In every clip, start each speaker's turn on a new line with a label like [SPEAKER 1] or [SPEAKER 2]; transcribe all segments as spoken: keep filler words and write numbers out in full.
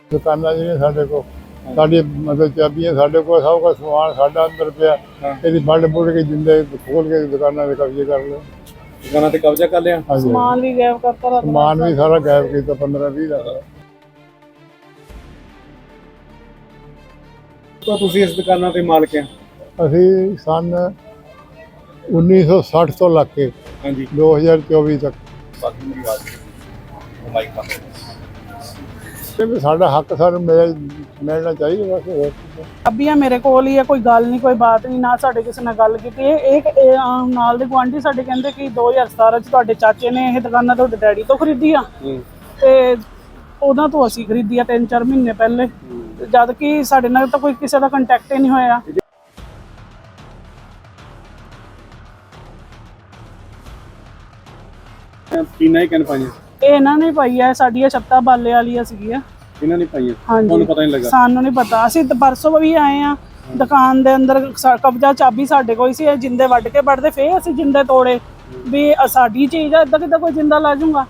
[SPEAKER 1] दुकाना जी ने साढ़े को साड़ी मतलब चाबियां साढ़े को सब का सामान साढ़ा अंदर पिया ਇਹਦੀ ਵੱਢ ਬੁੱਢ ਕੇ ਜਿੰਦੇ ਖੋਲ ਕੇ ਦੁਕਾਨਾਂ ਦੇ ਕਬਜ਼ੇ ਕਰ ਲਏ।
[SPEAKER 2] ਦੁਕਾਨਾਂ ਤੇ ਕਬਜ਼ਾ ਕਰ ਲਿਆ,
[SPEAKER 3] ਸਮਾਨ ਵੀ ਗਾਇਬ ਕਰਤਾ,
[SPEAKER 1] ਸਮਾਨ ਵੀ ਸਾਰਾ ਗਾਇਬ ਕੀਤਾ ਪੰਦਰਾਂ ਵੀਹ ਲੱਖ ਦਾ।
[SPEAKER 2] ਤਾਂ ਤੁਸੀਂ ਇਸ ਦੁਕਾਨਾਂ ਦੇ ਮਾਲਕ ਆ?
[SPEAKER 1] ਅਸੀਂ ਸਨ ਉੱਨੀ ਸੌ ਸੱਠ ਤੋਂ ਲੱਗ ਕੇ
[SPEAKER 2] ਹਾਂਜੀ
[SPEAKER 1] ਦੋ ਹਜ਼ਾਰ ਚੌਵੀ ਤੱਕ
[SPEAKER 2] ਬਾਕੀ ਮੇਰੀ ਆਵਾਜ਼ ਮਾਈਕ ਕਰ
[SPEAKER 1] ਸਾਡਾ ਹੱਕ ਸਾਨੂੰ ਮਿਲ ਮਿਲਣਾ ਚਾਹੀਦਾ ਬਸ। ਹੋਰ
[SPEAKER 3] ਚਾਬੀਆਂ ਮੇਰੇ ਕੋਲ ਹੀ ਹੈ, ਕੋਈ ਗੱਲ ਨਹੀਂ ਕੋਈ ਬਾਤ ਨਹੀਂ, ਨਾ ਸਾਡੇ ਕਿਸੇ ਨਾਲ ਗੱਲ ਕੀਤੀ। ਇਹ ਇਹ ਨਾਲ ਦੇ ਗੁਆਂਢੀ ਸਾਡੇ ਕਹਿੰਦੇ ਕਿ ਦੋ ਹਜ਼ਾਰ ਸਤਾਰਾਂ ਚ ਤੁਹਾਡੇ ਚਾਚੇ ਨੇ ਇਹ ਦੁਕਾਨਾਂ ਤੁਹਾਡੇ ਡੈਡੀ ਤੋਂ ਖਰੀਦੀ ਆ ਤੇ ਉਹਨਾਂ ਤੋਂ ਅਸੀਂ ਖਰੀਦੀ ਆ ਤਿੰਨ ਚਾਰ ਮਹੀਨੇ ਪਹਿਲੇ, ਜਦ ਕਿ ਸਾਡੇ ਨਾਲ ਤਾਂ ਕੋਈ ਕਿਸੇ ਦਾ ਕੰਟੈਕਟ ਹੀ ਨਹੀਂ ਹੋਇਆ।
[SPEAKER 2] ਟੀਨਾ ਹੀ ਕਹਿਣ ਪਾਈਆਂ
[SPEAKER 3] ਇਹ ਇਹਨਾਂ ਨੇ ਪਾਈ ਹੈ, ਸਾਡੀਆਂ ਛੱਤਾਂ ਬਾਲੇ ਵਾਲੀਆਂ ਸੀਗੀਆਂ,
[SPEAKER 2] ਇਹਨਾਂ ਨੇ ਪਾਈਆਂ।
[SPEAKER 3] ਹਾਂਜੀ
[SPEAKER 2] ਤੁਹਾਨੂੰ ਪਤਾ ਨਹੀਂ ਲੱਗਾ?
[SPEAKER 3] ਸਾਨੂੰ ਨਹੀਂ ਪਤਾ, ਅਸੀਂ ਤਾਂ ਪਰਸੋਂ ਵੀ ਆਏ ਆ ਦੁਕਾਨ ਦੇ ਅੰਦਰ, ਕਬਜ਼ਾ ਚਾਬੀ ਸਾਡੇ ਕੋਲ ਸੀ, ਜਿੰਦੇ ਵੱਢ ਕੇ ਵੱਢਦੇ ਫੇਰ ਅਸੀਂ ਜਿੰਦੇ ਤੋੜੇ ਵੀ ਸਾਡੀ ਚੀਜ਼ ਆ, ਇਦਾਂ ਕਿਦਾਂ ਕੋਈ ਜਿੰਦਾ ਲਾ ਜੂਗਾ।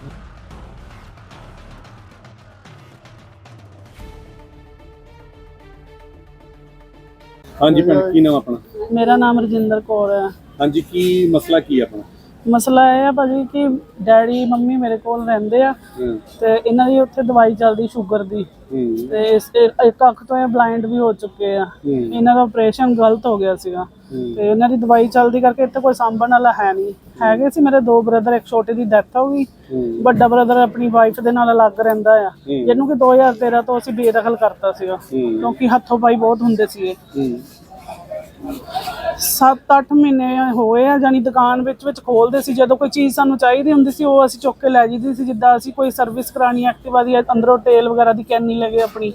[SPEAKER 2] ਹਾਂਜੀ ਭੈਣ, ਕੀ ਨਾਮ ਆਪਣਾ?
[SPEAKER 3] ਮੇਰਾ ਨਾਮ ਰਜਿੰਦਰ ਕੌਰ ਹੈ।
[SPEAKER 2] ਹਾਂਜੀ, ਕੀ ਮਸਲਾ ਕੀ ਹੈ ਆਪਣਾ?
[SPEAKER 3] ਮਸਲਾ ਇਹ ਆ ਭਾਜੀ ਕਿ ਡੈਡੀ ਮੰਮੀ ਮੇਰੇ ਕੋਲ ਰਹਿੰਦੇ ਆ ਤੇ ਇਹਨਾਂ ਦੀ ਉੱਥੇ ਦਵਾਈ ਚੱਲਦੀ ਸ਼ੂਗਰ ਦੀ ਤੇ ਇਸ ਇੱਕ ਅੱਖ ਤੋਂ ਇਹ ਬਲਾਈਂਡ ਵੀ ਹੋ ਚੁੱਕੇ ਆ। ਇਹਨਾਂ ਦਾ ਆਪਰੇਸ਼ਨ ਗਲਤ ਹੋ ਗਿਆ ਸੀਗਾ ਤੇ ਇਹਨਾਂ ਦੀ ਦਵਾਈ ਚੱਲਦੀ ਕਰਕੇ ਇੱਥੇ ਕੋਈ ਸਾਂਭਣ ਵਾਲਾ ਹੈ ਨਹੀਂ। ਹੈਗੇ ਸੀ ਮੇਰੇ ਦੋ ਬ੍ਰਦਰ, ਇੱਕ ਛੋਟੇ ਦੀ ਡੈਥ ਹੋ ਗਈ, ਵੱਡਾ ਬ੍ਰਦਰ ਆਪਣੀ ਵਾਈਫ ਦੇ ਨਾਲ ਅਲੱਗ ਰਹਿੰਦਾ ਆ, ਜਿਹਨੂੰ ਕਿ ਦੋ ਹਜ਼ਾਰ ਤੇਰਾਂ ਤੋਂ ਅਸੀਂ ਬੇਦਖਲ ਕਰਤਾ ਸੀਗਾ ਕਿਉਂਕਿ ਹੱਥੋਂ ਪਾਈ ਬਹੁਤ ਹੁੰਦੇ ਸੀਗੇ। ਸੱਤ ਅੱਠ ਮਹੀਨੇ ਹੋਏ ਆ, ਜਾਨੀ ਦੁਕਾਨ ਵਿੱਚ ਵਿੱਚ ਖੋਲਦੇ ਸੀ, ਜਦੋਂ ਕੋਈ ਚੀਜ਼ ਸਾਨੂੰ ਚਾਹੀਦੀ ਹੁੰਦੀ ਸੀ ਉਹ ਅਸੀਂ ਚੁੱਕ ਕੇ ਲੈ ਜਾਂਦੇ ਸੀ। ਜਿੱਦਾਂ ਅਸੀਂ ਕੋਈ ਸਰਵਿਸ ਕਰਾਣੀ ਐਕਟਿਵਾ ਦੀ, ਅੰਦਰੋਂ ਤੇਲ ਵਗੈਰਾ ਦੀ ਕੈਨੀ ਲੱਗੇ ਆਪਣੀ,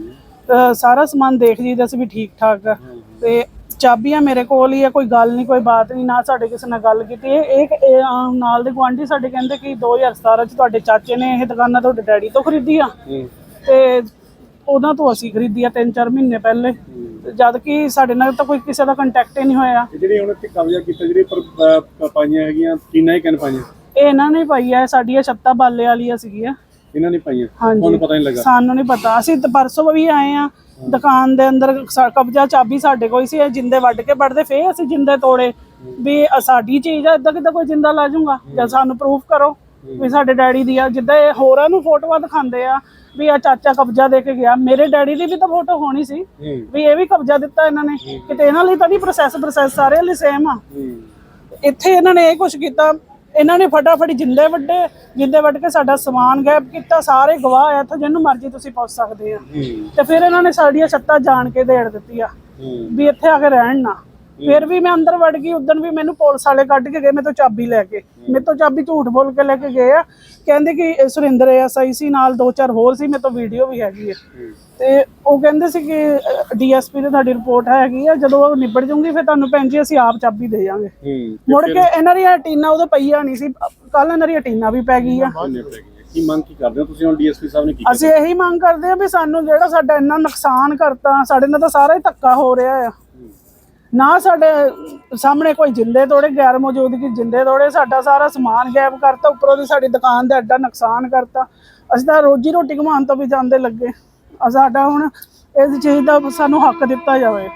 [SPEAKER 3] ਸਾਰਾ ਸਮਾਨ ਦੇਖ ਜੀਦਾ ਸੀ ਵੀ ਠੀਕ ਠਾਕ ਆ। ਤੇ ਚਾਬੀਆਂ ਮੇਰੇ ਕੋਲ ਹੀ ਆ, ਕੋਈ ਗੱਲ ਨਹੀਂ ਕੋਈ ਬਾਤ ਨਹੀਂ, ਨਾ ਸਾਡੇ ਕਿਸੇ ਨਾਲ ਗੱਲ ਕੀਤੀ। ਇਹ ਇਹ ਨਾਲ ਦੇ ਗੁਆਂਢੀ ਸਾਡੇ ਕਹਿੰਦੇ ਕਿ ਦੋ ਹਜ਼ਾਰ ਸਤਾਰਾਂ ਚ ਤੁਹਾਡੇ ਚਾਚੇ ਨੇ ਇਹ ਦੁਕਾਨਾਂ ਤੁਹਾਡੇ ਡੈਡੀ ਤੋਂ ਖਰੀਦੀ ਆ ਤੇ ਉਹਨਾਂ ਤੋਂ ਅਸੀਂ ਖਰੀਦੀ ਆ ਤਿੰਨ ਚਾਰ ਮਹੀਨੇ ਪਹਿਲੇ, ਜਦ ਕਿ ਸਾਡੇ ਨਾਲ ਤਾਂ ਕੋਈ ਕਿਸੇ ਦਾ ਕੰਟੈਕਟ ਹੀ ਨਹੀਂ ਹੋਇਆ।
[SPEAKER 2] ਜਿਹੜੀ ਹੁਣ ਇੱਥੇ ਕਬਜ਼ਾ ਕੀਤਾ, ਜਿਹੜੀ ਪਰ ਪਾਈਆਂ ਹੈਗੀਆਂ ਟੀਨਾ ਹੀ ਕਹਿਣ ਪਾਈਆਂ?
[SPEAKER 3] ਇਹ ਇਹਨਾਂ ਨੇ ਪਾਈ ਹੈ, ਸਾਡੀਆਂ ਛੱਤਾਂ ਬਾਲੇ ਵਾਲੀਆਂ ਸੀਗੀਆਂ,
[SPEAKER 2] ਇਹਨਾਂ ਨੇ ਪਾਈਆਂ।
[SPEAKER 3] ਹਾਂਜੀ
[SPEAKER 2] ਤੁਹਾਨੂੰ ਪਤਾ ਨਹੀਂ ਲੱਗਾ?
[SPEAKER 3] ਸਾਨੂੰ ਨਹੀਂ ਪਤਾ, ਅਸੀਂ ਤਾਂ ਪਰਸੋਂ ਵੀ ਆਏ ਆ ਦੁਕਾਨ ਦੇ ਅੰਦਰ, ਕਬਜ਼ਾ ਚਾਬੀ ਸਾਡੇ ਕੋਲ ਸੀ, ਜਿੰਦੇ ਵੱਢ ਕੇ ਵੱਢਦੇ ਫੇਰ ਅਸੀਂ ਜਿੰਦੇ ਤੋੜੇ ਵੀ ਸਾਡੀ ਚੀਜ਼ ਆ, ਇਦਾਂ ਕਿਦਾਂ ਕੋਈ ਜਿੰਦਾ ਲਾ ਜੂਗਾ। ਜਾਂ ਸਾਨੂੰ ਪ੍ਰੂਫ ਕਰੋ ਵੀ ਸਾਡੇ ਡੈਡੀ ਦੀ ਆ। ਜਿੱਦਾਂ ਇਹ ਹੋਰਾਂ ਨੂੰ ਫੋਟੋਆਂ ਦਿਖਾਉਂਦੇ ਆ ਵੀ ਆ ਚਾਚਾ ਕਬਜ਼ਾ ਦੇ ਕੇ ਗਿਆ, ਮੇਰੇ ਡੈਡੀ ਦੀ ਵੀ ਤਾਂ ਫੋਟੋ ਹੋਣੀ ਸੀ ਵੀ ਇਹ ਵੀ ਕਬਜ਼ਾ ਦਿੱਤਾ ਇਹਨਾਂ ਨੇ, ਕਿਤੇ ਇਹਨਾਂ ਲਈ ਤਾਂ ਨਹੀਂ ਪ੍ਰੋਸੈਸ ਪ੍ਰੋਸੈਸ ਸਾਰਿਆਂ ਲਈ ਸੇਮ ਆ। ਇੱਥੇ ਇਹਨਾਂ ਨੇ ਇਹ ਕੁਛ ਕੀਤਾ, ਇਹਨਾਂ ਨੇ ਫਟਾਫਟ ਜਿੰਦੇ ਵੱਡੇ, ਜਿੰਦੇ ਵੱਢ ਕੇ ਸਾਡਾ ਸਮਾਨ ਗਾਇਬ ਕੀਤਾ, ਸਾਰੇ ਗਵਾਹ ਆ ਇੱਥੇ, ਜਿਹਨੂੰ ਮਰਜ਼ੀ ਤੁਸੀਂ ਪੁੱਛ ਸਕਦੇ ਆ। ਤੇ ਫਿਰ ਇਹਨਾਂ ਨੇ ਸਾਡੀਆਂ ਛੱਤਾਂ ਜਾਣ ਕੇ ਦੇੜ ਦਿੱਤੀਆਂ ਵੀ ਇੱਥੇ ਆ ਕੇ ਰਹਿਣ ਨਾ। ਫਿਰ ਵੀ ਮੈਂ ਅੰਦਰ ਵੜ ਗਈ, ਉਦੋਂ ਵੀ ਮੈਨੂੰ ਪੁਲਿਸ ਵਾਲੇ ਕੱਢ ਕੇ ਗਏ ਮੇਰੇ ਤੋਂ ਚਾਬੀ ਲੈ ਕੇ, ਮੇਰੇ ਤੋਂ ਚਾਬੀ ਝੂਠ ਬੋਲ ਕੇ ਲੈ ਕੇ ਗਏ ਆ। ਕਹਿੰਦੇ ਕਿ ਸੁਰਿੰਦਰ ਐਸ ਆਈ ਸੀ ਨਾਲ ਦੋ ਚਾਰ ਹੋਰ ਸੀ, ਮੇਰੇ ਤੋਂ ਵੀਡੀਓ ਵੀ ਹੈਗੀ ਹੈ। ਤੇ ਉਹ ਕਹਿੰਦੇ ਸੀ ਕਿ ਡੀ ਐਸ ਪੀ ਤੇ ਤੁਹਾਡੀ ਰਿਪੋਰਟ ਹੈਗੀ ਆ, ਜਦੋਂ ਉਹ ਨਿਬੜ ਜੂਗੀ ਫਿਰ ਤੁਹਾਨੂੰ ਭੈਣ ਜੀ ਅਸੀਂ ਆਪ ਚਾਬੀ ਦੇ ਜਾਵਾਂਗੇ। ਮੁੜ ਕੇ ਇਹਨਾਂ ਦੀਆਂ ਟੀਨਾ ਉਦੋਂ ਪਈਆਂ ਨਹੀਂ ਸੀ, ਕੱਲ ਇਹਨਾਂ ਦੀਆਂ ਟੀਨਾ ਵੀ ਪੈ ਗਈ ਆ।
[SPEAKER 2] ਕੀ ਮੰਗ ਕੀ ਕਰਦੇ ਹੋ ਤੁਸੀਂ ਹੁਣ? ਡੀ ਐਸ ਪੀ ਸਾਹਿਬ ਨੇ ਕੀ?
[SPEAKER 3] ਅਸੀਂ ਇਹੀ ਮੰਗ ਕਰਦੇ ਆ ਵੀ ਸਾਨੂੰ ਜਿਹੜਾ ਸਾਡਾ ਇੰਨਾ ਨੁਕਸਾਨ ਕਰਤਾ, ਸਾਡੇ ਨਾਲ ਤਾਂ ਸਾਰਾ ਹੀ ਧੱਕਾ ਹੋ ਰਿਹਾ ਆ। ਨਾ ਸਾਡੇ ਸਾਹਮਣੇ ਕੋਈ ਜਿੰਦੇ ਤੋੜੇ, ਗੈਰ ਮੌਜੂਦਗੀ ਜਿੰਦੇ ਤੋੜੇ, ਸਾਡਾ ਸਾਰਾ ਸਮਾਨ ਗਾਇਬ ਕਰਤਾ, ਉੱਪਰੋਂ ਦੀ ਸਾਡੀ ਦੁਕਾਨ ਦਾ ਐਡਾ ਨੁਕਸਾਨ ਕਰਤਾ। ਅਸੀਂ ਤਾਂ ਰੋਜੀ ਰੋਟੀ ਕਮਾਉਣ ਤੋਂ ਵੀ ਜਾਂਦੇ ਲੱਗੇ। ਸਾਡਾ ਹੁਣ ਇਸ ਚੀਜ਼ ਦਾ ਸਾਨੂੰ ਹੱਕ ਦਿੱਤਾ ਜਾਵੇ।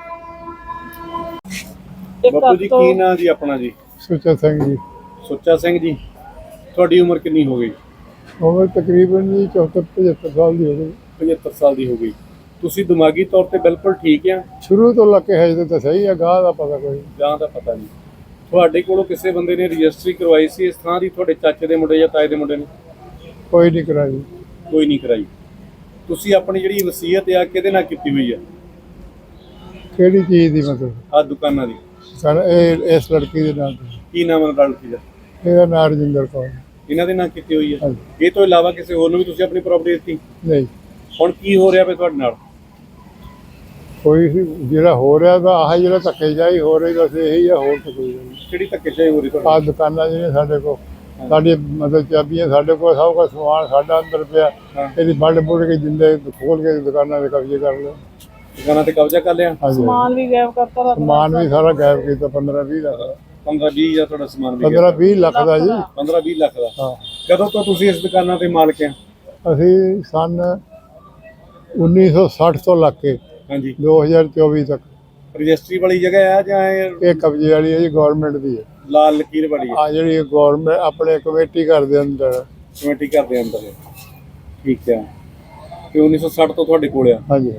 [SPEAKER 2] ਬਾਪੂ ਜੀ ਕੀ ਨਾਂ ਜੀ ਆਪਣਾ? ਜੀ
[SPEAKER 1] ਸੁੱਚਾ ਸਿੰਘ ਜੀ।
[SPEAKER 2] ਸੁੱਚਾ ਸਿੰਘ ਜੀ, ਤੁਹਾਡੀ ਉਮਰ ਕਿੰਨੀ ਹੋ ਗਈ?
[SPEAKER 1] ਉਮਰ ਤਕਰੀਬਨ ਜੀ ਚੌਹੱਤਰ ਪਝੱਤਰ ਸਾਲ ਦੀ ਹੋ ਗਈ।
[SPEAKER 2] ਪਝੱਤਰ ਸਾਲ ਦੀ ਹੋ ਗਈ। ਤੁਸੀਂ ਦਿਮਾਗੀ ਤੌਰ ਤੇ ਬਿਲਕੁਲ ਠੀਕ ਆ?
[SPEAKER 1] ਸ਼ੁਰੂ ਤੋਂ ਲੱਗ ਕੇ ਹੈ ਤਾਂ ਸਹੀ ਆ, ਗਾਹ ਦਾ ਪਤਾ ਕੋਈ
[SPEAKER 2] ਜਾਂ ਦਾ ਪਤਾ ਨਹੀਂ। ਤੁਹਾਡੇ ਕੋਲੋਂ ਕਿਸੇ ਬੰਦੇ ਨੇ ਰਜਿਸਟਰੀ ਕਰਵਾਈ ਸੀ ਇਸ ਥਾਂ ਦੀ, ਤੁਹਾਡੇ ਚਾਚੇ ਦੇ ਮੁੰਡੇ ਜਾਂ ਤਾਏ ਦੇ ਮੁੰਡੇ ਨੇ?
[SPEAKER 1] ਕੋਈ ਨਹੀਂ ਕਰਾਈ।
[SPEAKER 2] ਕੋਈ ਨਹੀਂ ਕਰਾਈ। ਤੁਸੀਂ ਆਪਣੀ ਜਿਹੜੀ ਵਸੀਅਤ ਆ ਕਿਹਦੇ ਨਾਲ ਕੀਤੀ ਹੋਈ ਆ?
[SPEAKER 1] ਕਿਹੜੀ ਚੀਜ਼ ਦੀ ਮਤਲਬ?
[SPEAKER 2] ਆਹ ਦੁਕਾਨਾਂ ਦੀ।
[SPEAKER 1] ਸਰ ਇਹ ਇਸ ਲੜਕੀ ਦੇ ਨਾਲ।
[SPEAKER 2] ਕੀ ਨਾਮ ਹੈ ਲੜਕੀ ਦਾ?
[SPEAKER 1] ਇਹਦਾ ਨਾਂ ਰਜਿੰਦਰ ਕੌਰ।
[SPEAKER 2] ਇਹਨਾਂ ਦੇ ਨਾਂ ਕੀਤੀ ਹੋਈ ਹੈ? ਇਹ ਤੋਂ ਇਲਾਵਾ ਕਿਸੇ ਹੋਰ ਨੂੰ ਵੀ ਤੁਸੀਂ ਆਪਣੀ ਪ੍ਰਾਪਰਟੀ ਦਿੱਤੀ?
[SPEAKER 1] ਨਹੀਂ। ਹੁਣ
[SPEAKER 2] ਕੀ ਹੋ ਰਿਹਾ ਪਿਆ ਤੁਹਾਡੇ ਨਾਲ?
[SPEAKER 1] ਕੋਈ ਜਿਹੜਾ ਹੋ ਰਿਹਾ ਤਾਂ ਆਹ ਜਿਹੜਾ ਧੱਕੇਸ਼ਾਹੀ ਹੋ ਰਹੀ ਬਸ ਇਹੀ ਆ, ਹੋਰ ਤਾਂ ਕੋਈ ਨਹੀਂ।
[SPEAKER 2] ਕਿਹੜੀ ਧੱਕੇਸ਼ਾਹੀ ਹੋ ਰਹੀ ਤੁਹਾਡੇ?
[SPEAKER 1] ਆਹ ਦੁਕਾਨਾਂ ਜਿਹੜੀਆਂ ਸਾਡੇ ਕੋਲ, ਸਾਡੀ ਮਤਲਬ ਚਾਬੀਆਂ ਸਾਡੇ ਕੋਲ, ਸਭ ਦਾ ਸਮਾਨ ਸਾਡਾ ਅੰਦਰ ਪਿਆ, ਇਹਦੀ ਵੱਢ ਬੁੱਢ ਕੇ ਜਿੰਦੇ ਖੋਲ ਕੇ ਦੁਕਾਨਾਂ ਦੇ ਕਬਜ਼ੇ ਕਰ ਲਏ।
[SPEAKER 2] ਦੁਕਾਨਾਂ ਤੇ ਕਬਜ਼ਾ ਕਰ ਲਿਆ,
[SPEAKER 3] ਸਮਾਨ ਵੀ ਗਾਇਬ ਕਰਤਾ,
[SPEAKER 1] ਸਮਾਨ ਵੀ ਸਾਰਾ ਗਾਇਬ ਕੀਤਾ ਪੰਦਰਾਂ ਵੀਹ ਲੱਖ ਦਾ।
[SPEAKER 2] ਪੰਦਰਾਂ ਵੀਹ ਹਜ਼ਾਰ ਤੁਹਾਡਾ ਸਮਾਨ ਵੀ?
[SPEAKER 1] ਪੰਦਰਾਂ ਵੀਹ ਲੱਖ ਦਾ ਜੀ।
[SPEAKER 2] ਪੰਦਰਾਂ ਵੀਹ ਲੱਖ ਦਾ।
[SPEAKER 1] ਹਾਂ।
[SPEAKER 2] ਕਦੋਂ ਤੋਂ ਤੁਸੀਂ ਇਸ ਦੁਕਾਨਾਂ ਤੇ ਮਾਲਕ ਆ?
[SPEAKER 1] ਅਸੀਂ ਸਨ ਉੱਨੀ ਸੌ ਸੱਠ ਤੋਂ ਲੱਗ ਕੇ
[SPEAKER 2] ਹਾਂਜੀ
[SPEAKER 1] ਦੋ ਹਜ਼ਾਰ ਚੌਵੀ ਤੱਕ
[SPEAKER 2] ਰਜਿਸਟਰੀ ਵਾਲੀ ਜਗ੍ਹਾ ਆ ਜਾਂ ਇਹ
[SPEAKER 1] ਇਹ ਕਬਜ਼ੇ ਵਾਲੀ ਹੈ ਜੀ, ਗਵਰਨਮੈਂਟ ਦੀ ਹੈ।
[SPEAKER 2] ਲਾਲ ਲਕੀਰ ਵਾਲੀ ਹੈ
[SPEAKER 1] ਆ ਜਿਹੜੀ ਗਵਰਨਮੈਂਟ ਆਪਣੇ ਕਮੇਟੀ ਘਰ ਦੇ ਅੰਦਰ।
[SPEAKER 2] ਕਮੇਟੀ ਘਰ ਦੇ ਅੰਦਰ ਹੈ। ਠੀਕ ਹੈ ਤੇ ਉੱਨੀ ਸੌ ਸੱਠ ਤੋਂ ਤੁਹਾਡੇ ਕੋਲ ਆ।
[SPEAKER 1] ਹਾਂਜੀ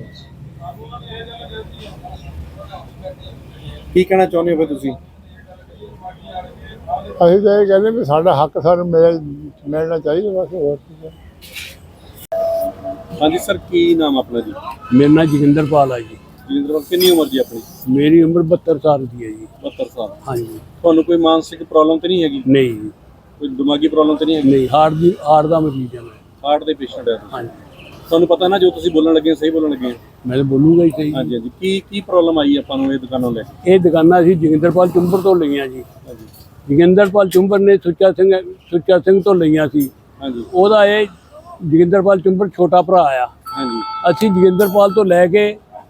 [SPEAKER 2] ਕੀ ਕਹਿਣਾ ਚਾਹੁੰਦੇ ਹੋ ਫਿਰ ਤੁਸੀਂ?
[SPEAKER 1] ਅਸੀਂ ਤਾਂ ਇਹ ਕਹਿੰਦੇ ਵੀ ਸਾਡਾ ਹੱਕ ਸਾਨੂੰ ਮਿਲ ਮਿਲਣਾ ਚਾਹੀਦਾ ਬਸ, ਹੋਰ ਕੀ ਹੈ।
[SPEAKER 2] ਹਾਂਜੀ ਸਰ, ਕੀ ਨਾਮ ਆਪਣਾ ਜੀ?
[SPEAKER 4] ਮੇਰਾ ਨਾਮ ਜੋਗਿੰਦਰਪਾਲ ਹੈ ਜੀ।
[SPEAKER 2] ਜੋਗਿੰਦਰ, ਕਿੰਨੀ ਉਮਰ ਜੀ ਆਪਣੀ?
[SPEAKER 4] ਮੇਰੀ ਉਮਰ ਬਹੱਤਰ ਸਾਲ ਦੀ ਹੈ ਜੀ।
[SPEAKER 2] ਬਹੱਤਰ ਸਾਲ।
[SPEAKER 4] ਹਾਂਜੀ।
[SPEAKER 2] ਤੁਹਾਨੂੰ ਕੋਈ ਮਾਨਸਿਕ ਪ੍ਰੋਬਲਮ ਤੇ ਨਹੀਂ ਹੈਗੀ?
[SPEAKER 4] ਨਹੀਂ ਜੀ,
[SPEAKER 2] ਕੋਈ ਦਿਮਾਗੀ ਪ੍ਰੋਬਲਮ ਤੇ ਨਹੀਂ ਹੈਗੀ?
[SPEAKER 4] ਨਹੀਂ, ਹਾਰਟ ਦੀ ਹਾਰਟ ਦਾ ਮਰੀਜ਼ ਹਾਂ ਮੈਂ।
[SPEAKER 2] ਹਾਰਟ ਦੇ ਪੇਸ਼ੈਂਟ ਹੈ?
[SPEAKER 4] ਹਾਂਜੀ।
[SPEAKER 2] ਤੁਹਾਨੂੰ ਪਤਾ ਨਾ ਜੋ ਤੁਸੀਂ ਬੋਲਣ ਲੱਗੇ ਹੋ, ਸਹੀ ਬੋਲਣ ਲੱਗੇ ਹੋ?
[SPEAKER 4] ਮੈਂ ਤਾਂ ਬੋਲੂਗਾ ਹੀ ਸਹੀ।
[SPEAKER 2] ਹਾਂਜੀ ਹਾਂਜੀ। ਕੀ ਕੀ ਪ੍ਰੋਬਲਮ ਆਈ ਆਪਾਂ ਨੂੰ ਇਹ ਦੁਕਾਨੋਂ ਲੈ ਕੇ?
[SPEAKER 4] ਇਹ ਦੁਕਾਨਾਂ ਅਸੀਂ ਜੋਗਿੰਦਰਪਾਲ ਚੁੰਬਰ ਤੋਂ ਲਈਆਂ ਜੀ।
[SPEAKER 2] ਹਾਂਜੀ
[SPEAKER 4] ਜੋਗਿੰਦਰਪਾਲ ਚੁੰਬਰ ਨੇ ਸੁੱਚਾ ਸਿੰਘ ਸੁੱਚਾ ਸਿੰਘ ਤੋਂ ਲਈਆਂ ਸੀ।
[SPEAKER 2] ਹਾਂਜੀ
[SPEAKER 4] ਉਹਦਾ ਇਹ ਜੋਗਿੰਦਰਪਾਲ ਚੁੰਬਰ ਛੋਟਾ ਭਰਾ ਆ।
[SPEAKER 2] ਹਾਂਜੀ
[SPEAKER 4] ਅਸੀਂ ਜੋਗਿੰਦਰਪਾਲ ਤੋਂ ਲੈ ਕੇ,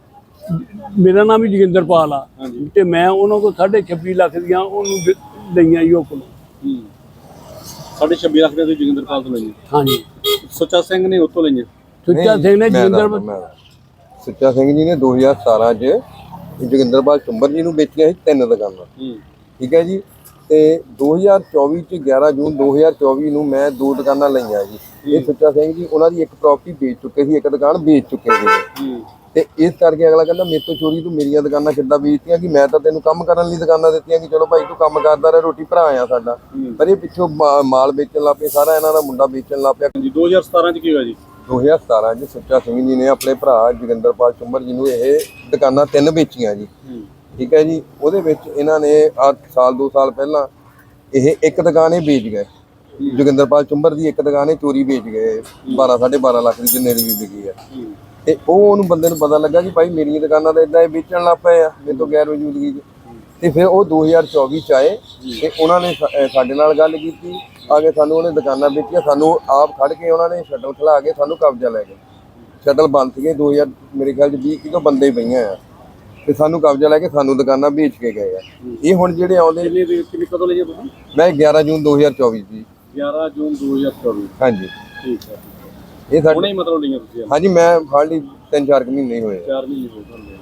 [SPEAKER 4] ਮੇਰਾ ਨਾਮ ਵੀ ਜੋਗਿੰਦਰਪਾਲ ਆ
[SPEAKER 2] ਹਾਂਜੀ।
[SPEAKER 4] ਤੇ ਮੈਂ ਉਹਨਾਂ ਕੋਲ ਸਾਢੇ ਛੱਬੀ ਲੱਖ ਦੀਆਂ ਉਹਨੂੰ ਦ- ਲਈਆਂ ਜੀ ਉਹ ਕੋਲੋਂ।
[SPEAKER 2] ਹੂੰ। ਸਾਢੇ ਛੱਬੀ ਲੱਖ ਦੇ ਤੁਸੀਂ ਜੋਗਿੰਦਰਪਾਲ ਤੋਂ ਲਈਆਂ?
[SPEAKER 4] ਹਾਂਜੀ।
[SPEAKER 2] ਸੁੱਚਾ ਸਿੰਘ ਨੇ ਉੱਥੋਂ ਲਈਆਂ?
[SPEAKER 4] ਸੁੱਚਾ ਸਿੰਘ ਨੇ ਜੋਗਿੰਦਰ
[SPEAKER 5] ਸੁੱਚਾ ਸਿੰਘ ਜੀ ਨੇ ਦੋ ਹਜ਼ਾਰ ਸਤਾਰਾਂ 'ਚ ਜੋਗਿੰਦਰਪਾਲ ਚੁੰਬਰ ਜੀ ਨੂੰ ਵੇਚੀਆਂ ਸੀ ਤਿੰਨ ਦੁਕਾਨਾਂ।
[SPEAKER 2] ਹੂੰ।
[SPEAKER 5] ਠੀਕ ਹੈ ਜੀ। ਤੇ ਦੋ ਹਜ਼ਾਰ ਚੌਵੀ 'ਚ ਗਿਆਰਾਂ ਜੂਨ ਦੋ ਹਜ਼ਾਰ ਚੌਵੀ ਨੂੰ ਮੈਂ ਦੋ ਦੁਕਾਨਾਂ ਲਈਆਂ ਜੀ। ਇਹ ਸੁੱਚਾ ਸਿੰਘ ਜੀ ਉਹਨਾਂ ਦੀ ਇੱਕ ਪ੍ਰਾਪਰਟੀ ਵੇਚ ਚੁੱਕੇ ਸੀ, ਇੱਕ ਦੁਕਾਨ ਵੇਚ ਚੁੱਕੇ ਸੀ।
[SPEAKER 2] ਹੂੰ।
[SPEAKER 5] ਤੇ ਇਸ ਕਰਕੇ ਅਗਲਾ ਕਹਿੰਦਾ ਮੇਰੇ ਤੋਂ ਚੋਰੀ ਤੂੰ ਮੇਰੀਆਂ ਦੁਕਾਨਾਂ ਕਿੱਦਾਂ ਵੇਚਤੀਆਂ, ਕਿ ਮੈਂ ਤਾਂ ਤੈਨੂੰ ਕੰਮ ਕਰਨ ਲਈ ਦੁਕਾਨਾਂ ਦਿੱਤੀਆਂ ਕਿ ਚਲੋ ਭਾਈ ਤੂੰ ਕੰਮ ਕਰਦਾ ਰਹਿ, ਰੋਟੀ ਭਰਾ ਆ ਸਾਡਾ। ਪਰ ਇਹ ਪਿੱਛੋਂ ਮਾ- ਮਾਲ ਵੇਚਣ ਲੱਗ ਪਏ, ਸਾਰਾ ਇਹਨਾਂ ਦਾ ਮੁੰਡਾ ਵੇਚਣ ਲੱਗ ਪਿਆ।
[SPEAKER 2] ਹਾਂਜੀ। ਦੋ ਹਜ਼ਾਰ ਸਤਾਰਾਂ ਚ ਕੀ ਹੋਇਆ ਜੀ?
[SPEAKER 5] ਦੋ ਹਜ਼ਾਰ ਸਤਾਰਾਂ 'ਚ ਸੁੱਚਾ ਸਿੰਘ ਜੀ ਨੇ ਆਪਣੇ ਭਰਾ ਜੋਗਿੰਦਰਪਾਲ ਚੁੰਬਰ ਜੀ ਨੂੰ ਇਹ ਦੁਕਾਨਾਂ ਤਿੰਨ ਵੇਚੀਆਂ ਜੀ।
[SPEAKER 2] ਹੂੰ।
[SPEAKER 5] ਠੀਕ ਹੈ ਜੀ। ਉਹਦੇ ਵਿੱਚ ਇਹਨਾਂ ਨੇ ਆ ਸਾਲ ਦੋ ਸਾਲ ਪਹਿਲਾਂ ਇਹ ਇੱਕ ਦੁਕਾਨ ਇਹ ਵੇਚ ਗਏ। ਜੋਗਿੰਦਰਪਾਲ ਚੁੰਬਰ ਦੀ ਇੱਕ ਦੁਕਾਨ ਇਹ ਚੋਰੀ ਵੇਚ ਗਏ, ਬਾਰਾਂ ਸਾਢੇ ਬਾਰਾਂ ਲੱਖ ਦੀ ਜਿੰਨੇ ਦੀ ਵੀ ਵਿਕੀ ਆ। ਤੇ ਉਹ ਉਹਨੂੰ ਬੰਦੇ ਨੂੰ ਪਤਾ ਲੱਗਾ ਕਿ ਭਾਈ ਮੇਰੀਆਂ ਦੁਕਾਨਾਂ ਤਾਂ ਇਦਾਂ ਇਹ ਵੇਚਣ ਲੱਗ ਪਏ ਆ ਮੇਰੇ ਤੋਂ ਗੈਰ ਮੌਜੂਦਗੀ 'ਚ। ਤੇ ਫਿਰ ਉਹ ਦੋ ਹਜ਼ਾਰ ਚੌਵੀ 'ਚ ਆਏ ਤੇ ਉਹਨਾਂ ਨੇ ਸਾ- ਅਹ ਸਾਡੇ ਨਾਲ ਗੱਲ ਕੀਤੀ, ਆ ਕੇ ਸਾਨੂੰ ਉਹਨੇ ਦੁਕਾਨਾਂ ਵੇਚੀਆਂ, ਸਾਨੂੰ ਆਪ ਖੜ ਕੇ ਉਹਨਾਂ ਨੇ ਸ਼ਟਲ ਖਿਲਾ ਕੇ ਸਾਨੂੰ ਕਬਜ਼ਾ ਲੈ ਗਏ। ਸ਼ਟਲ ਬੰਦ ਸੀਗੇ ਦੋ ਹਜ਼ਾਰ ਮੇਰੇ ਖਿਆਲ 'ਚ ਵੀਹ ਕਿਲੋ ਬੰਦੇ ਹੀ ਪਈਆਂ ਆ, ਤੇ ਸਾਨੂੰ ਕਬਜ਼ਾ ਲੈ ਕੇ ਸਾਨੂੰ ਦੁਕਾਨਾਂ ਵੇਚ ਕੇ ਗਏ ਆ। ਇਹ ਹੁਣ ਜਿਹੜੇ ਆਉਂਦੇ,
[SPEAKER 2] ਕਿੰਨੇ ਦੇ ਕਿੰਨੇ ਕਦੋਂ ਲਈਆਂ ਤੁਸੀਂ?
[SPEAKER 5] ਮੈਂ ਗਿਆਰਾਂ ਜੂਨ ਦੋ ਹਜ਼ਾਰ ਚੌਵੀ ਜੀ।
[SPEAKER 2] ਗਿਆਰਾਂ ਜੂਨ ਦੋ ਹਜ਼ਾਰ ਚੌਵੀ।
[SPEAKER 5] ਹਾਂਜੀ।
[SPEAKER 2] ਠੀਕ ਹੈ।
[SPEAKER 5] ਇਹ
[SPEAKER 2] ਹੁਣੇ
[SPEAKER 5] ਸਾਡੇ
[SPEAKER 2] ਹੀ ਮਤਲਬ ਲਈਆਂ ਤੁਸੀਂ?
[SPEAKER 5] ਹਾਂਜੀ, ਮੈਂ ਹਾਰਡਲੀ ਤਿੰਨ ਚਾਰ ਕੁ ਮਹੀਨੇ ਹੀ ਹੋਏ ਆ।
[SPEAKER 2] ਚਾਰ ਮਹੀਨੇ ਹੋ ਗਏ।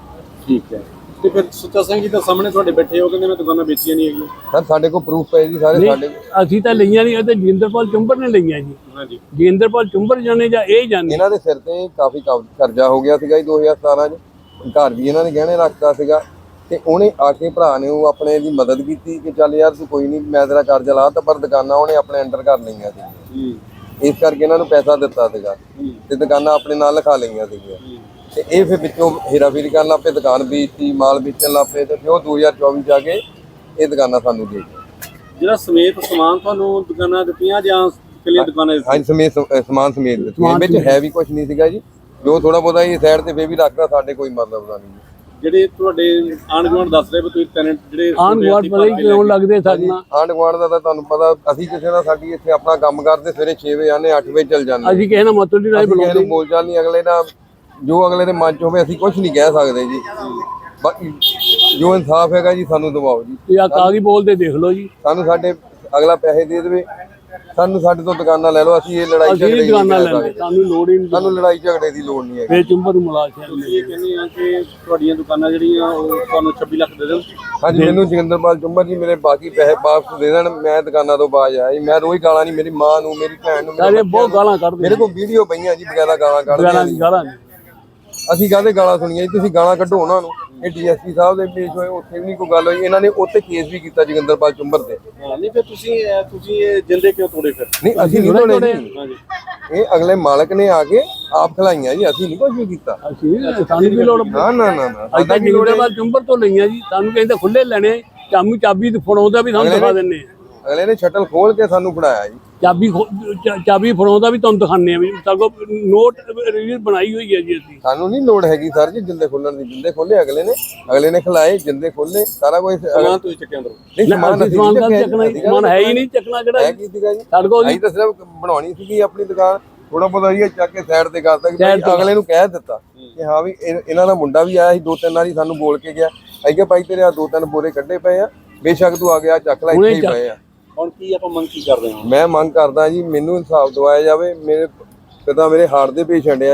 [SPEAKER 2] ਠੀਕ ਹੈ। ਤੇ ਫਿਰ ਸੁੱਚਾ ਸਿੰਘ ਜੀ ਤਾਂ ਸਾਹਮਣੇ ਤੁਹਾਡੇ ਬੈਠੇ ਹੋ, ਕਹਿੰਦੇ ਮੈਂ ਦੁਕਾਨਾਂ ਵੇਚੀਆਂ ਨਹੀਂ ਹੈਗੀਆਂ।
[SPEAKER 5] ਸਰ ਸਾਡੇ ਕੋਲ ਪ੍ਰੂਫ ਪਏ ਜੀ ਸਾਰੇ। ਸਾਡੇ
[SPEAKER 4] ਅਸੀਂ ਤਾਂ ਲਈਆਂ ਨਹੀਂ, ਇਹ ਤਾਂ ਜੋਗਿੰਦਰਪਾਲ ਚੁੰਬਰ ਨੇ ਲਈਆਂ ਜੀ।
[SPEAKER 2] ਹਾਂਜੀ।
[SPEAKER 4] ਜੋਗਿੰਦਰਪਾਲ ਚੁੰਬਰ ਜਾਣੇ ਜਾਂ ਇਹ ਜਾਣੇ?
[SPEAKER 5] ਇਹਨਾਂ ਦੇ ਸਿਰ ਤੇ ਕਾਫੀ ਕਬ- ਕਰਜ਼ਾ ਹੋ ਗਿਆ ਸੀਗਾ ਜੀ ਦੋ ਹਜ਼ਾਰ ਸਤਾਰਾਂ 'ਚ। ਘਰ ਵੀ ਇਹਨਾਂ ਨੇ ਗਹਿਣੇ ਰੱਖਤਾ ਸੀਗਾ, ਤੇ ਉਹਨੇ ਆ ਕੇ ਭਰਾ ਨੇ ਉਹ ਆਪਣੇ ਦੀ ਮਦਦ ਕੀਤੀ ਕਿ ਚੱਲ ਯਾਰ ਤੂੰ ਕੋਈ ਨਹੀਂ, ਮੈਂ ਤੇਰਾ ਕਰਜ਼ਾ ਲਾ ਤਾ, ਪਰ ਦੁਕਾਨਾਂ ਉਹਨੇ ਆਪਣੇ ਅੰਡਰ ਕਰ ਲਈਆਂ ਸੀ।
[SPEAKER 2] ਹੂੰ।
[SPEAKER 5] ਇਸ ਕਰਕੇ ਇਹਨਾਂ ਨੂੰ ਪੈਸਾ ਦਿੱਤਾ ਸੀਗਾ ਤੇ ਦੁਕਾਨਾਂ ਆਪਣੇ ਨਾਲ ਲਿਖਾ ਲਈਆਂ ਸੀਗੀਆਂ। ਤੇ ਇਹ ਫਿਰ ਵਿੱਚੋਂ ਹੇਰਾਫੇਰੀ ਕਰਨ ਲੱਗ ਪਏ, ਦੁਕਾਨ ਵੇਚਤੀ, ਮਾਲ ਵੇਚਣ ਲੱਗ ਪਏ, ਤੇ ਫਿਰ ਉਹ ਦੋ ਹਜ਼ਾਰ ਚੌਵੀ 'ਚ ਆ ਕੇ ਇਹ ਦੁਕਾਨਾਂ ਸਾਨੂੰ ਦੇ ਗਏ।
[SPEAKER 2] ਜਿਹੜਾ ਸਮੇਤ ਸਮਾਨ ਤੁਹਾਨੂੰ ਦੁਕਾਨਾਂ ਦਿੱਤੀਆਂ ਜਾਂ ਕਿੰਨੀਆਂ ਦੁਕਾਨਾਂ ਦਿੱਤੀਆਂ?
[SPEAKER 5] ਹਾਂਜੀ, ਸਮੇਤ ਸਮ- ਸਮਾਨ ਸਮੇਤ ਦਿੱਤੀਆਂ। ਵਿੱਚ ਹੈ ਵੀ ਕੁਝ ਨਹੀਂ ਸੀਗਾ ਜੀ, ਜੋ ਥੋੜਾ ਬਹੁਤਾ ਇਹ ਸਾਈਡ ਤੇ ਫੇਰ ਵੀ ਰੱਖਦਾ, ਸਾਡੇ ਕੋਈ ਮਤਲਬ ਦਾ ਨਹੀਂ।
[SPEAKER 2] ਜਿਹੜੇ ਤੁਹਾਡੇ ਆਂਢ ਗੁਆਂਢ ਦੱਸ ਰਹੇ ਵੀ ਤੁਸੀਂ ਟੈਨੈਂਟ ਜਿਹੜੇ
[SPEAKER 4] ਆਣ ਗੁਆਂਢ ਪਤਾ ਹੀ ਕਿਉਂ ਲੱਗਦੇ ਸਾਡੇ ਨਾਲ?
[SPEAKER 5] ਆਂਢ ਗੁਆਂਢ ਦਾ ਤਾਂ ਤੁਹਾਨੂੰ ਪਤਾ, ਅਸੀਂ ਕਿਸੇ ਦਾ ਸਾਡੀ ਇੱਥੇ ਆਪਣਾ ਕੰਮ ਕਰਦੇ, ਸਵੇਰੇ ਛੇ ਵਜੇ ਆਨੇ, ਅੱਠ ਵਜੇ ਚੱਲ ਜਾਂਦੇ।
[SPEAKER 4] ਅਸੀਂ ਕਿਸੇ ਨਾਲ ਮਤਲਬ ਨਹੀਂ ਰਾਈ
[SPEAKER 5] ਅਸੀਂ ਕਿਸੇ
[SPEAKER 4] ਬੁਲਾਉਂਦੇ।
[SPEAKER 5] ਨੂੰ ਬੋਲ ਚਾਲ ਨਹੀਂ, ਅਗਲੇ ਦਾ ਜੋ ਅਗਲੇ ਦੇ ਮਨ ਚ ਹੋਵੇ ਅਸੀਂ ਕੁਝ ਨਹੀਂ ਕਹਿ ਸਕਦੇ ਜੀ। ਬਾਕੀ ਜੋ ਇਨਸਾਫ ਹੈਗਾ ਜੀ ਸਾਨੂੰ ਦਿਵਾਓ ਜੀ।
[SPEAKER 4] ਤੇ ਆ ਕਾਗਜ਼ ਬੋਲਦੇ ਦੇਖ ਲਓ ਜੀ।
[SPEAKER 5] ਸਾਨੂੰ ਸਾਡੇ ਅਗਲਾ ਪੈਸੇ ਦੇ ਦੇਵੇ, ਸਾਨੂੰ ਸਾਡੇ ਤੋਂ ਦੁਕਾਨਾਂ ਲੈ ਲਓ, ਅਸੀਂ ਇਹ ਲੜਾਈ
[SPEAKER 4] ਅਸੀਂ
[SPEAKER 5] ਝਗੜੇ
[SPEAKER 4] ਇਹ
[SPEAKER 5] ਦੀ
[SPEAKER 4] ਦੁਕਾਨਾਂ
[SPEAKER 5] ਨਹੀਂ ਕਰ
[SPEAKER 4] ਲੈਂਦੇ,
[SPEAKER 5] ਸਕਦੇ।
[SPEAKER 4] ਸਾਨੂੰ ਲੋੜ ਹੀ ਨਹੀਂ।
[SPEAKER 5] ਸਾਨੂੰ ਲੜਾਈ ਝਗੜੇ ਦੀ ਲੋੜ ਨਹੀਂ ਹੈਗੀ।
[SPEAKER 4] ਫੇਰ ਚੁੰਬਰ ਨੂੰ ਮਿਲਾ ਕੇ
[SPEAKER 2] ਤੁਸੀਂ ਇਹ ਕਹਿੰਦੇ ਆ ਕਿ ਤੁਹਾਡੀਆਂ ਦੁਕਾਨਾਂ ਜਿਹੜੀਆਂ ਉਹ ਤੁਹਾਨੂੰ ਛੱਬੀ ਲੱਖ ਦੇ ਦੇਣ?
[SPEAKER 5] ਹਾਂਜੀ, ਮੈਨੂੰ ਜੋਗਿੰਦਰਪਾਲ ਚੁੰਬਰ ਜੀ ਮੇਰੇ ਬਾਕੀ ਪੈਸੇ ਵਾਪਸ ਦੇ ਦੇਣ, ਮੈਂ ਦੁਕਾਨਾਂ ਤੋਂ ਬਾਜ ਆਇਆ ਜੀ। ਮੈਂ ਰੋਜ਼ ਗਾਲਾਂ ਨਹੀਂ, ਮੇਰੀ ਮਾਂ ਨੂੰ, ਮੇਰੀ ਭੈਣ ਨੂੰ, ਮੇਰੇ
[SPEAKER 4] ਸਾਰੇ
[SPEAKER 5] ਬੱਚਿਆਂ
[SPEAKER 4] ਬਹੁਤ
[SPEAKER 5] ਨੂੰ-
[SPEAKER 4] ਗਾਲਾਂ ਕੱਢਦੇ
[SPEAKER 5] ਮੇਰੇ ਕੋਲ ਵੀਡੀਓ ਪਈਆਂ ਜੀ ਬਗੈਰਾ ਗਾਲਾਂ ਕੱਢਦੇ
[SPEAKER 4] ਗਾਲਾਂ
[SPEAKER 5] ਆ।
[SPEAKER 4] ਗਾਲਾਂ ਨਹੀਂ।
[SPEAKER 5] ਅਸੀਂ ਕਾਹਦੇ ਗਾਲਾਂ ਸੁਣੀਆਂ ਜੀ, ਤੁਸੀਂ ਗਾਲਾਂ ਕੱਢੋ ਉਹਨਾਂ ਨੂੰ। ਇਹ ਡੀਐਸਪੀ ਸਾਹਿਬ ਦੇ ਪੇਸ਼ ਹੋਏ, ਉੱਥੇ ਵੀ ਨਹੀਂ ਕੋਈ ਗੱਲ ਹੋਈ। ਇਹਨਾਂ ਨੇ ਉੱਥੇ ਕੇਸ ਵੀ ਕੀਤਾ ਜੋਗਿੰਦਰਪਾਲ ਚੁੰਬਰ ਤੇ।
[SPEAKER 2] ਹਾਂ। ਨਹੀਂ ਫਿਰ ਤੁਸੀਂ ਇਹ- ਤੁਸੀਂ ਇਹ ਜਿੰਦੇ ਕਿਉਂ ਤੋੜੇ ਫਿਰ?
[SPEAKER 5] ਨਹੀਂ, ਅਸੀਂ ਨਹੀਂ ਤੋੜੇ ਜੀ,
[SPEAKER 2] ਹਾਂਜੀ।
[SPEAKER 5] ਇਹ ਅਗਲੇ ਮਾਲਕ ਨੇ ਆ ਕੇ ਆਪ ਖਲਾਈਆਂ ਜੀ, ਅਸੀਂ ਨਹੀਂ ਕੁਝ ਵੀ ਕੀਤਾ।
[SPEAKER 4] ਅਸੀਂ ਸਾਨੂੰ ਵੀ ਲੋੜ।
[SPEAKER 5] ਨਾ ਨਾ ਨਾ ਨਾ
[SPEAKER 4] ਅਸੀਂ ਤਾਂ ਜੋਗਿੰਦਰਪਾਲ ਚੁੰਬਰ ਤੋਂ ਲਈਆਂ ਜੀ। ਸਾਨੂੰ ਕਹਿੰਦੇ ਖੁੱਲੇ ਲੈਣੇ, ਚਾਮੂ ਚਾਬੀ ਫੜਾਉਂਦਾ ਵੀ ਸਾਨੂੰ ਦਿਖਾ ਦਿੰਨੇ ਆ।
[SPEAKER 5] ਅਗਲੇ ਨੇ ਸ਼ਟਲ ਖੋਲ ਕੇ ਸਾਨੂੰ ਫੜਾਇਆ ਜੀ।
[SPEAKER 4] ਚਾਬੀ ਖੋ- ਚਾ- ਚਾਬੀ ਫੜਾਉਂਦਾ ਵੀ ਤੁਹਾਨੂੰ ਦਿਖਾਉਂਦੇ ਆ ਵੀ ਸਗੋਂ ਨੋਟ ਰੀਲ ਬਣਾਈ ਹੋਈ ਹੈ ਜੀ ਅਸੀਂ।
[SPEAKER 5] ਸਾਨੂੰ ਨਹੀਂ ਲੋੜ ਹੈਗੀ ਸਰ ਜੀ ਜਿੰਦੇ ਖੋਲਣ ਦੀ। ਜਿੰਦੇ ਖੋਲੇ ਅਗਲੇ ਨੇ, ਅਗਲੇ ਨੇ ਖਿਲਾਏ, ਜਿੰਦੇ ਖੋਲੇ, ਸਾਰਾ ਕੁਝ।
[SPEAKER 2] ਸਮਾਨ ਤੁਸੀਂ ਚੱਕਿਆ ਅੰਦਰੋਂ?
[SPEAKER 5] ਨਹੀਂ, ਸਮਾਨ
[SPEAKER 4] ਅਸੀਂ
[SPEAKER 5] ਅਸੀਂ
[SPEAKER 4] ਸਮਾਨ
[SPEAKER 5] ਨਹੀਂ
[SPEAKER 4] ਦਾ
[SPEAKER 5] ਚੱਕਿਆ
[SPEAKER 4] ਚੱਕਣਾ
[SPEAKER 5] ਜੀ।
[SPEAKER 4] ਸਮਾਨ ਹੈ ਹੀ ਨਹੀਂ, ਚੱਕਣਾ ਕਿਹੜਾ
[SPEAKER 5] ਹੈ ਕੀ ਸੀਗਾ ਜੀ?
[SPEAKER 4] ਸਾਡੇ ਕੋਲ
[SPEAKER 5] ਅਸੀਂ ਤਾਂ ਸਿਰਫ ਬਣਾਉਣੀ ਸੀਗੀ ਆਪਣੀ ਦੁਕਾਨ, ਥੋੜਾ ਬਹੁਤਾ ਇਹ ਚੱਕ ਕੇ ਸਾਈਡ ਤੇ ਕਰਤਾ ਕਿ ਭਾਈ ਅਗਲੇ ਨੂੰ ਕਹਿ ਦਿੱਤਾ ਕਿ ਹਾਂ ਵੀ ਇਹ- ਇਹਨਾਂ ਦਾ ਮੁੰਡਾ ਵੀ ਆਇਆ ਸੀ ਦੋ ਤਿੰਨ ਵਾਰੀ, ਸਾਨੂੰ ਬੋਲ ਕੇ ਗਿਆ। ਅਸੀਂ ਕਿਹਾ ਭਾਈ ਤੇਰੇ ਆ ਦੋ ਤਿੰਨ ਬੋਰੇ ਕੱਢੇ ਪਏ ਆ, ਬੇਸ਼ੱਕ ਤੂੰ ਆ ਗਿਆ ਚੱਕ ਲੈ, ਇੱਥੇ ਹੀ ਪਏ ਆ।
[SPEAKER 2] ਹੁਣ ਕੀ ਆਪਾਂ ਮੰਗ ਕੀ ਕਰਦੇ ਹਾਂ?
[SPEAKER 5] ਮੈਂ ਮੰਗ ਕਰਦਾ ਜੀ ਮੈਨੂੰ ਇਨਸਾਫ ਦਿਵਾਇਆ ਜਾਵੇ। ਮੇਰੇ ਪਿਤਾ ਮੇਰੇ ਹਾਰਟ ਦੇ ਪੇਸ਼ੈਂਟ ਆ ਜੀ,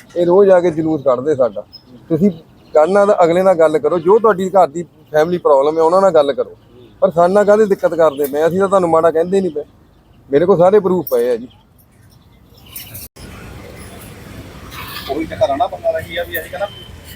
[SPEAKER 5] ਇਹ ਰੋਜ਼ ਆ ਕੇ ਜਲੂਸ ਕੱਢਦੇ ਸਾਡਾ। ਤੁਸੀਂ ਕਰਨਾ ਤਾਂ ਅਗਲੇ ਨਾਲ ਗੱਲ ਕਰੋ, ਜੋ ਤੁਹਾਡੀ ਘਰ ਦੀ ਫੈਮਿਲੀ ਪ੍ਰੋਬਲਮ ਹੈ ਉਹਨਾਂ ਨਾਲ ਗੱਲ ਕਰੋ, ਪਰ ਸਾਡੇ ਨਾਲ ਕਾਹਦੀ ਦਿੱਕਤ ਕਰਦੇ ਪਏ? ਅਸੀਂ ਤਾਂ ਤੁਹਾਨੂੰ ਮਾੜਾ ਕਹਿੰਦੇ ਨਹੀਂ ਪਏ, ਮੇਰੇ ਕੋਲ ਸਾਰੇ ਪ੍ਰੂਫ ਪਏ ਆ ਜੀ।
[SPEAKER 6] ਉਹੀ ਤਾਂ ਘਰਾਂ ਨਾ ਬੰਦਾ ਰਹੀ ਆ ਵੀ ਅਸੀਂ ਕਹਿੰਦਾ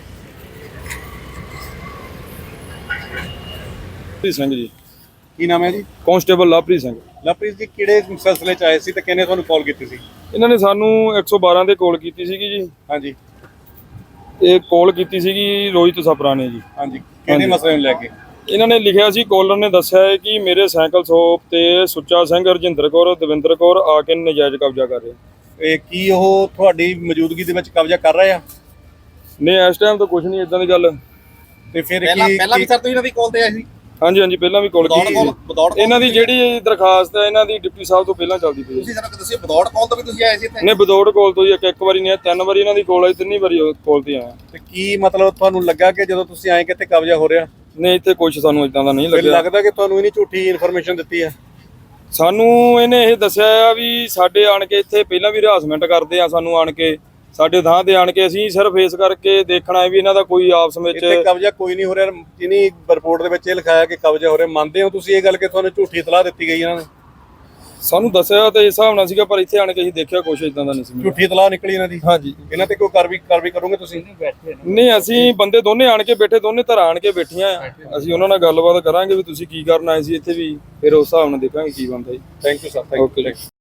[SPEAKER 7] ਲਵਪ੍ਰੀਤ ਸਿੰਘ ਜੀ।
[SPEAKER 6] ਕੀ ਨਾਮ ਹੈ ਜੀ?
[SPEAKER 7] ਕਾਂਸਟੇਬਲ ਲਵਪ੍ਰੀਤ ਸਿੰਘ।
[SPEAKER 6] ਲਵਪ੍ਰੀਤ ਜੀ ਕਿਹੜੇ ਸਿਲਸਿਲੇ ਚ ਆਏ ਸੀ ਤੇ ਕਿਹਨੇ ਤੁਹਾਨੂੰ ਕਾਲ ਕੀਤੀ ਸੀ?
[SPEAKER 7] ਇਹਨਾਂ ਨੇ ਸਾਨੂੰ ਇੱਕ ਸੌ ਬਾਰਾਂ ਤੇ ਕਾਲ ਕੀਤੀ ਸੀਗੀ ਜੀ।
[SPEAKER 6] ਹਾਂਜੀ
[SPEAKER 7] ਇਹ ਕਾਲ ਕੀਤੀ ਸੀਗੀ ਰੋਹਿਤ ਸਪਰਾ ਨੇ ਜੀ।
[SPEAKER 6] ਹਾਂਜੀ ਕਿਹੜੇ ਮਸਲੇ ਨੂੰ ਲੈ ਕੇ?
[SPEAKER 7] ਇਹਨਾਂ ਨੇ ਲਿਖਿਆ ਸੀ, ਕਾਲਰ ਨੇ ਦੱਸਿਆ ਹੈ ਕਿ ਮੇਰੇ ਸਾਈਕਲ ਸ਼ੋਪ ਤੇ ਸੁੱਚਾ ਸਿੰਘ, ਰਜਿੰਦਰ ਕੌਰ, ਦਵਿੰਦਰ ਕੌਰ ਆ ਕੇ ਨਜਾਇਜ਼ ਕਬਜ਼ਾ ਕਰ ਰਹੇ।
[SPEAKER 6] ਇਹ ਕੀ ਉਹ ਤੁਹਾਡੀ ਮੌਜੂਦਗੀ ਦੇ ਵਿੱਚ ਕਬਜ਼ਾ ਕਰ ਰਹੇ ਆ?
[SPEAKER 7] ਨਹੀਂ ਇਸ ਟਾਈਮ ਤਾਂ ਕੁਝ ਨਹੀਂ ਇਦਾਂ ਦੀ ਗੱਲ।
[SPEAKER 6] ਤੇ ਫਿਰ ਕੀ ਪਹਿਲਾਂ ਵੀ ਸਰ ਤੁਸੀਂ ਇਹਨਾਂ ਦੀ ਕਾਲ ਤੇ ਆਏ ਸੀ?
[SPEAKER 7] ਹਾਂਜੀ ਹਾਂਜੀ ਪਹਿਲਾਂ ਵੀ ਕਾਲ ਕੀਤੀ ਸੀ। ਇਹਨਾਂ ਦੀ ਜਿਹੜੀ ਦਰਖਾਸਤ ਹੈ ਇਹਨਾਂ ਦੀ ਡਿਪਟੀ ਸਾਹਿਬ ਤੋਂ ਪਹਿਲਾਂ ਚੱਲਦੀ ਪਈ ਹੈ।
[SPEAKER 6] ਤੁਸੀਂ ਸਾਨੂੰ ਦੱਸਿਓ ਵਿਦਆਊਟ ਕਾਲ ਤੋਂ ਵੀ ਤੁਸੀਂ ਆਏ ਸੀ ਇੱਥੇ?
[SPEAKER 7] ਨਹੀਂ ਵਿਦਆਊਟ ਕਾਲ ਤੋਂ ਜੀ ਇੱਕ ਇੱਕ ਵਾਰੀ ਨਹੀਂ, ਤਿੰਨ ਵਾਰੀ ਇਹਨਾਂ ਦੀ ਕਾਲ ਆਈ, ਤਿੰਨੀ ਵਾਰੀ ਕਾਲ ਤੇ ਆਇਆ।
[SPEAKER 6] ਤੇ ਕੀ ਮਤਲਬ ਤੁਹਾਨੂੰ ਲੱਗਾ ਕਿ ਜਦੋਂ ਤੁਸੀਂ ਆਏ ਕਿਤੇ ਕਬਜ਼ਾ ਹੋ ਰਿਹਾ?
[SPEAKER 7] ਨਹੀਂ ਇੱਥੇ ਕੁਝ ਸਾਨੂੰ ਇਦਾਂ ਦਾ ਨਹੀਂ
[SPEAKER 6] ਫਿਰ
[SPEAKER 7] ਲੱਗਿਆ।
[SPEAKER 6] ਲੱਗਦਾ ਕਿ ਤੁਹਾਨੂੰ ਇਹਨੀ ਝੂਠੀ ਇਨਫੋਰਮੇਸ਼ਨ ਦਿੱਤੀ ਹੈ।
[SPEAKER 7] ਸਾਨੂੰ ਇਹਨੇ ਇਹ ਦੱਸਿਆ ਆ ਵੀ ਸਾਡੇ ਆਣ ਕੇ ਇੱਥੇ ਪਹਿਲਾਂ ਵੀ ਹਰਾਸਮੈਂਟ ਕਰਦੇ ਆ, ਸਾਨੂੰ ਆਣ ਕੇ ਸਾਡੇ ਥਾਂ ਤੇ ਆਣ ਕੇ ਅਸੀਂ ਸਿਰਫ ਇਸ ਕਰਕੇ ਦੇਖਣਾ ਹੈ ਵੀ ਇਹਨਾਂ ਦਾ ਕੋਈ ਆਪਸ ਵਿੱਚ
[SPEAKER 6] ਇੱਥੇ ਕਬਜ਼ਾ ਕੋਈ ਨਹੀਂ ਹੋ ਰਿਹਾ, ਜਿਹਨੀ ਰਿਪੋਰਟ ਦੇ ਵਿੱਚ ਇਹ ਲਿਖਾਇਆ ਕਿ ਕਬਜ਼ਾ ਹੋ ਰਿਹਾ। ਮੰਨਦੇ ਹੋ ਤੁਸੀਂ ਇਹ ਗੱਲ ਕਿ ਤੁਹਾਨੂੰ ਝੂਠੀ ਇਤਲਾਹ ਦਿੱਤੀ ਗਈ ਇਹਨਾਂ ਨੇ?
[SPEAKER 7] ਸਾਨੂੰ ਦੱਸਿਆ ਤੇ ਇਸ ਹਿਸਾਬ ਨਾਲ ਸੀਗਾ, ਪਰ ਇੱਥੇ ਆਣ ਕੇ ਅਸੀਂ ਦੇਖਿਆ ਕੁਛ ਇਦਾਂ ਦਾ ਨਹੀਂ ਸੀ।
[SPEAKER 6] ਝੂਠੀ ਇਤਲਾਹ ਨਿਕਲੀ ਇਹਨਾਂ ਦੀ?
[SPEAKER 7] ਹਾਂਜੀ।
[SPEAKER 6] ਇਹਨਾਂ ਤੇ ਕੋਈ ਕਾਰਵਾਈ ਕਾਰਵਾਈ ਕਰੋਗੇ ਤੁਸੀਂ?
[SPEAKER 7] ਨਹੀਂ ਅਸੀਂ ਬੰਦੇ ਦੋਨੇ ਆਣ ਕੇ ਬੈਠੇ, ਦੋਨੇ ਧਿਰਾਂ ਆਣ ਕੇ ਬੈਠੀਆਂ ਆ, ਅਸੀਂ ਉਹਨਾਂ ਨਾਲ ਗੱਲਬਾਤ ਕਰਾਂਗੇ ਵੀ ਤੁਸੀਂ ਕੀ ਕਰਨ ਆਏ ਸੀ ਇੱਥੇ ਵੀ, ਫਿਰ ਉਸ ਹਿਸਾਬ ਨਾਲ ਦੇਖਾਂਗੇ ਕੀ ਬਣਦਾ ਜੀ।
[SPEAKER 6] Thank you sir.
[SPEAKER 7] ਓਕੇ ਜੀ।